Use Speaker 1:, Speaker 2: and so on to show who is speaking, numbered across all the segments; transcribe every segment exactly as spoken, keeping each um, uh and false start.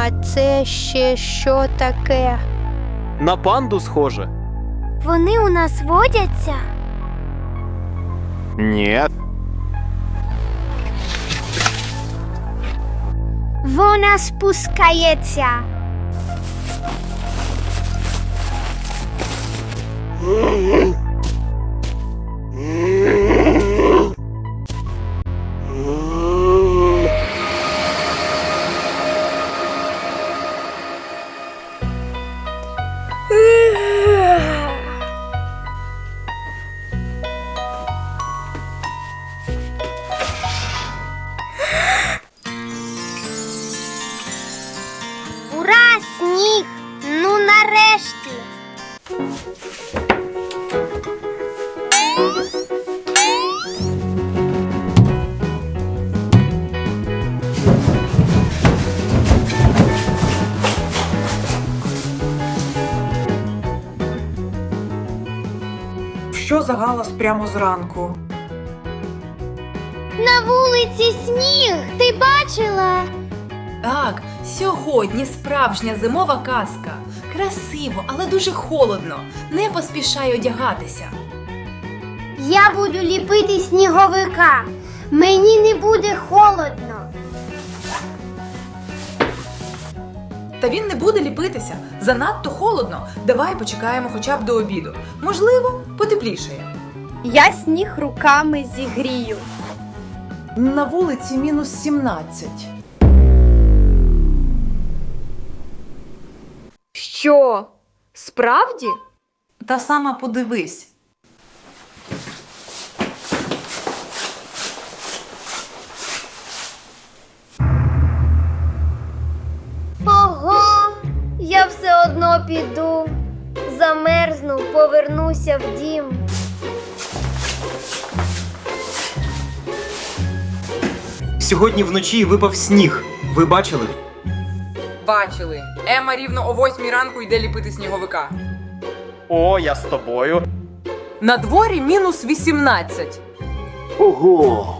Speaker 1: А це ще що таке?
Speaker 2: На панду схоже.
Speaker 1: Вони у нас водяться?
Speaker 3: Ні.
Speaker 1: Вона спускається. Ура, сніг! Ну нарешті!
Speaker 4: Що за галас прямо зранку?
Speaker 1: На вулиці сніг! Ти бачила?
Speaker 5: Так, сьогодні справжня зимова казка. Красиво, але дуже холодно. Не поспішай одягатися.
Speaker 1: Я буду ліпити сніговика. Мені не буде холодно.
Speaker 5: Та він не буде ліпитися. Занадто холодно. Давай почекаємо хоча б до обіду. Можливо, потеплішає.
Speaker 6: Я сніг руками зігрію.
Speaker 7: На вулиці мінус сімнадцять.
Speaker 6: Що? Справді?
Speaker 7: Та сама подивись.
Speaker 1: Ого! Я все одно піду. Замерзну, повернуся в дім.
Speaker 2: Сьогодні вночі випав сніг. Ви бачили?
Speaker 8: Бачили. Ема рівно о восьмій ранку йде ліпити сніговика.
Speaker 3: О, я з тобою.
Speaker 8: На дворі мінус вісімнадцять.
Speaker 3: Ого.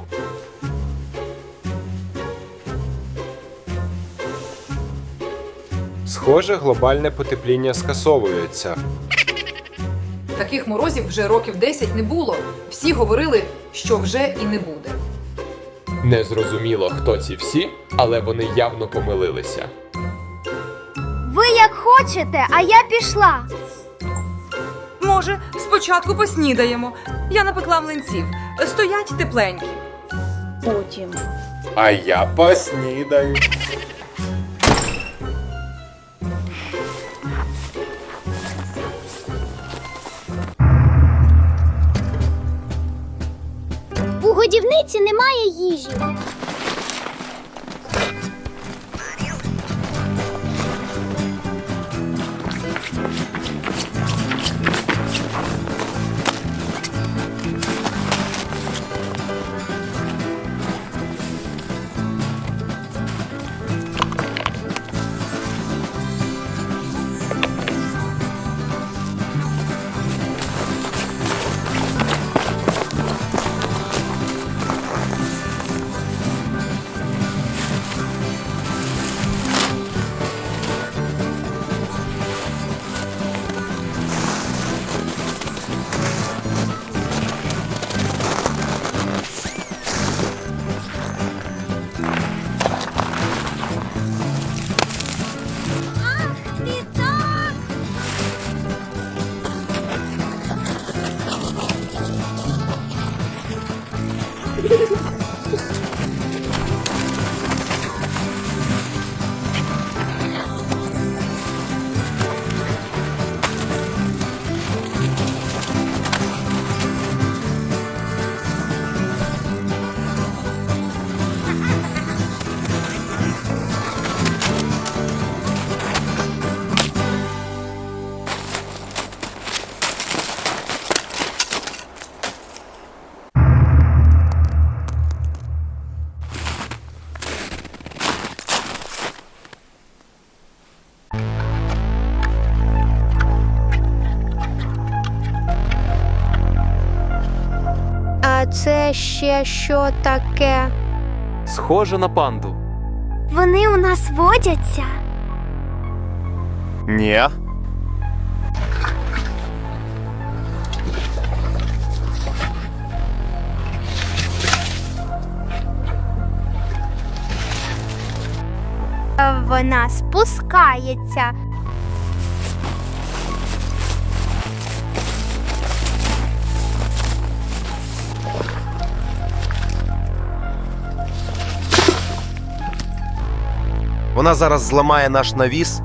Speaker 9: Схоже, глобальне потепління скасовується.
Speaker 8: Таких морозів вже років десять не було. Всі говорили, що вже і не буде.
Speaker 9: Незрозуміло, хто ці всі, але вони явно помилилися.
Speaker 1: Ви як хочете, а я пішла.
Speaker 8: Може, спочатку поснідаємо. Я напекла млинців. Стоять тепленькі.
Speaker 6: Потім.
Speaker 9: А я поснідаю.
Speaker 1: У годівниці немає їжі. А це ще що таке?
Speaker 2: Схоже на панду.
Speaker 1: Вони у нас водяться?
Speaker 3: Ні.
Speaker 1: Вона спускається.
Speaker 3: Вона зараз зламає наш навіс.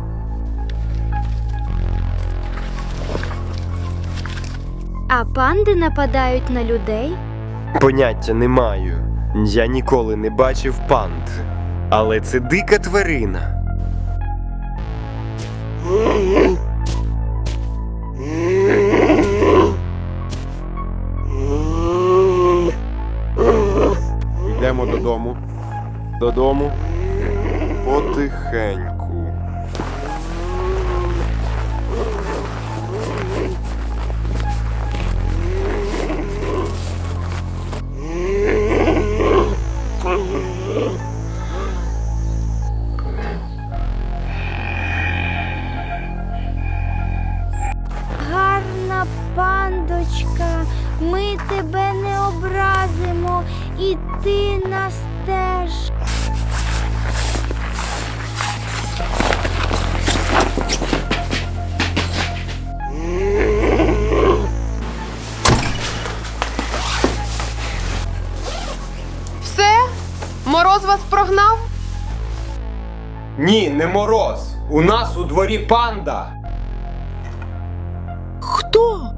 Speaker 1: А панди нападають на людей?
Speaker 10: Поняття не маю. Я ніколи не бачив панд. Але це дика тварина.
Speaker 3: Йдемо додому. Додому. Потихеньку.
Speaker 1: Гарна пандочка, ми тебе не образимо, і ти нас теж.
Speaker 6: Все? Мороз вас прогнав?
Speaker 9: Ні, не мороз. У нас у дворі панда.
Speaker 4: Хто?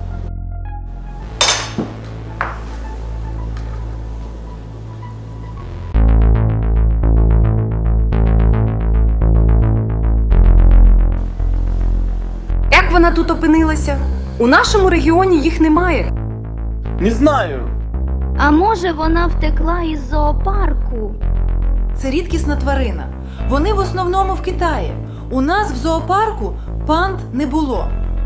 Speaker 5: Як вона тут опинилася? У нашому регіоні їх немає.
Speaker 2: Не знаю.
Speaker 1: А може вона втекла із зоопарку?
Speaker 7: Це рідкісна тварина. Вони в основному в Китаї. У нас в зоопарку панд не було.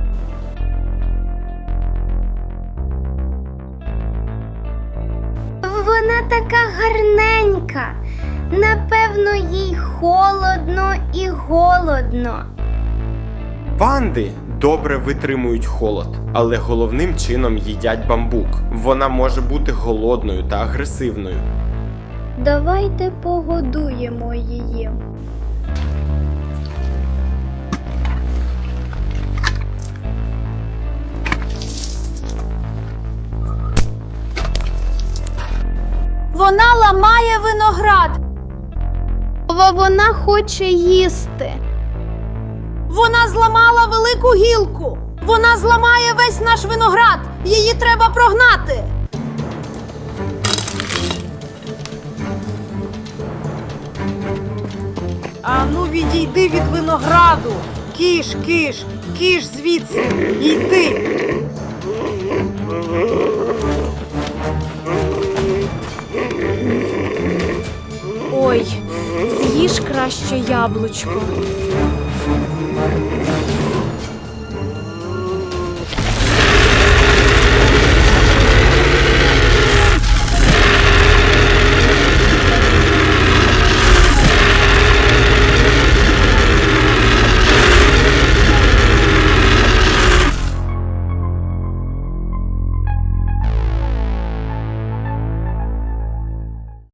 Speaker 1: Вона така гарненька. Напевно, їй холодно і голодно.
Speaker 9: Панди добре витримують холод, але головним чином їдять бамбук. Вона може бути голодною та агресивною.
Speaker 1: Давайте погодуємо її.
Speaker 6: Вона ламає виноград.
Speaker 1: Бо вона хоче їсти.
Speaker 6: Вона зламала велику гілку. Вона зламає весь наш виноград. Її треба прогнати.
Speaker 4: А ну відійди від винограду. Киш, киш, киш звідси. Йди.
Speaker 6: Ой, з'їж краще яблучко.